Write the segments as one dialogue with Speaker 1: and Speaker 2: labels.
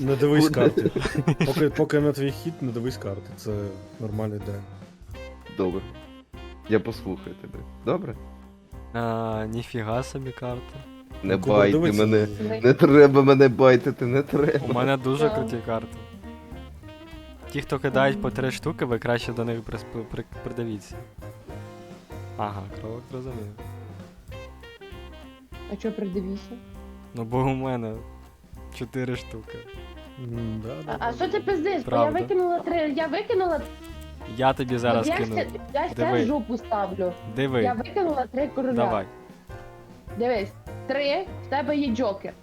Speaker 1: Не дивись карти. Поки на твій хід, не дивись карти. Це нормальний день.
Speaker 2: Добре. Я послухаю тебе. Добре?
Speaker 3: Ніфіга собі карта.
Speaker 2: Не
Speaker 1: Куба,
Speaker 2: байте
Speaker 1: дивиться
Speaker 2: мене.
Speaker 1: на неї.
Speaker 2: Не треба мене байтити, не треба.
Speaker 3: У мене дуже
Speaker 4: Так.
Speaker 3: круті карти. Ті, хто кидають по 3 штуки, ви краще до них придивіться. Ага, кролик розумів.
Speaker 4: А чого придивіться?
Speaker 3: Ну бо у мене 4 штуки.
Speaker 4: А що ти пиздиш? Бо я
Speaker 3: Правда.
Speaker 4: викинула 3, я викинула,
Speaker 3: Я тобі зараз
Speaker 4: я
Speaker 3: кину.
Speaker 4: я ж
Speaker 3: Диви.
Speaker 4: це жопу ставлю. Я
Speaker 3: Диви,
Speaker 4: викинула 3 короля.
Speaker 3: давай.
Speaker 4: Дивись, 3, в тебе є джокер.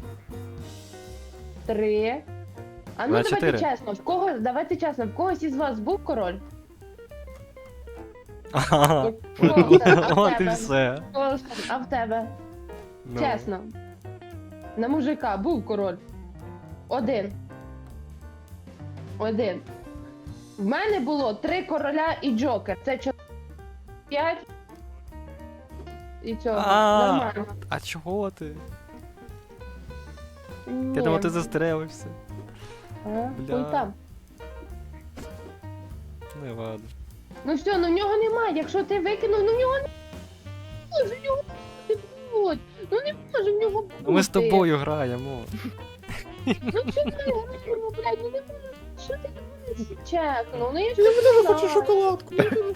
Speaker 4: 3. А ну
Speaker 3: На
Speaker 4: давайте
Speaker 3: 4.
Speaker 4: чесно, давайте чесно, в когось із вас був король?
Speaker 3: Ага.
Speaker 4: В кого? А в
Speaker 3: От і
Speaker 4: тебе?
Speaker 3: все.
Speaker 4: А в тебе?
Speaker 3: Ну.
Speaker 4: Чесно. На мужика був король. 1. 1. В мене було 3 короля і джокер. Це 5. І цього.
Speaker 3: А.
Speaker 4: Нормально.
Speaker 3: А чого ти?
Speaker 4: Ні.
Speaker 3: Я думав, ти застрелився.
Speaker 4: А,
Speaker 3: Бля.
Speaker 4: хуй там.
Speaker 3: Не ладно.
Speaker 4: Ну все, ну в нього немає. Якщо ти викинув, ну в нього не може, в нього не бути. Ну не може в нього бути.
Speaker 3: Ну ми з тобою граємо.
Speaker 4: Ну чого ти граємо, блядь, ну не може. Що ти не чекнув? Ну я ж не
Speaker 1: хочу шоколадку.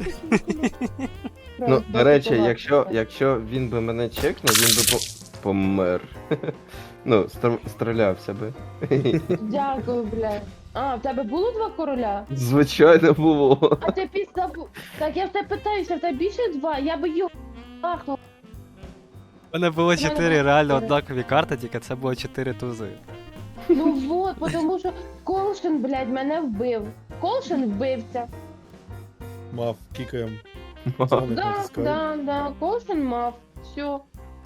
Speaker 2: Ну, до речі, якщо він би мене чекнув, він би помер. Ну, стрілявся би.
Speaker 4: Дякую, блядь. А, в тебе було 2 короля?
Speaker 2: Звичайно було.
Speaker 4: А ти після... Так я в тебе питаюся, в тебе більше 2? Я би його ахнув.
Speaker 3: У мене було
Speaker 4: мене
Speaker 3: 4
Speaker 4: було
Speaker 3: реально
Speaker 4: 4.
Speaker 3: однакові карти, тільки це було 4 тузи.
Speaker 4: Ну вот, тому що Колшин, блядь, мене вбив. Колшин вбивця.
Speaker 1: Мав, кікаєм.
Speaker 4: Да, Колшин мав. Все.